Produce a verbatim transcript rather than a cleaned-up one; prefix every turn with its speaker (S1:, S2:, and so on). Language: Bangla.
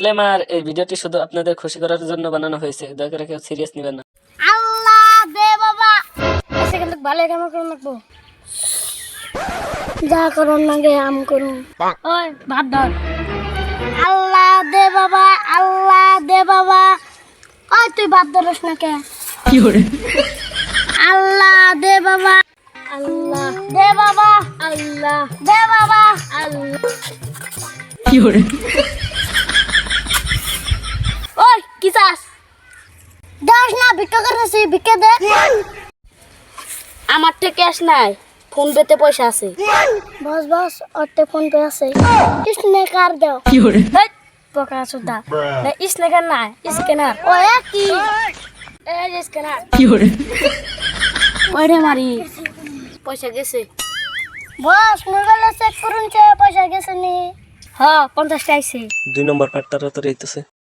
S1: ডিসক্লেমার, এই ভিডিওটি শুধু আপনাদের খুশি করার জন্য বানানো হয়েছে, দয়া করে কেউ সিরিয়াস নেবেন না।
S2: আল্লাহ দে বাবা, এসে কিন্তু ভালো কাম করুন লাগবো, যা করুন না গে আম করুন। ওই ভাত ধর। আল্লাহ দে বাবা, আল্লাহ দে বাবা। ওই তুই ভাত ধরস না কে?
S1: কি করে?
S2: আল্লাহ দে বাবা, আল্লাহ দে বাবা, আল্লাহ দে বাবা, আল্লাহ।
S1: কি করে?
S2: ওই কি চাস? দাস না, ভিক্ষা করতেছি, ভিক্ষা দে। আমার তো ক্যাশ নাই, ফোন পেতে পয়সা আছে। বস বস, ওতে ফোন পে আছে, স্ন্যাকার দাও।
S1: কি করে?
S2: পকা সুদা না, স্ন্যাকার না, স্ক্যানার। ও কি এই যে স্ক্যানার।
S1: কি করে?
S2: ওইরে মারি, পয়সা গেছে। বস মোবাইলে চেক করুন, পয়সা গেছে নি? হ্যাঁ, পঞ্চাশ টা আইছে।
S1: দুই নম্বর পার্ট তাড়াতাড়ি হইতেছে।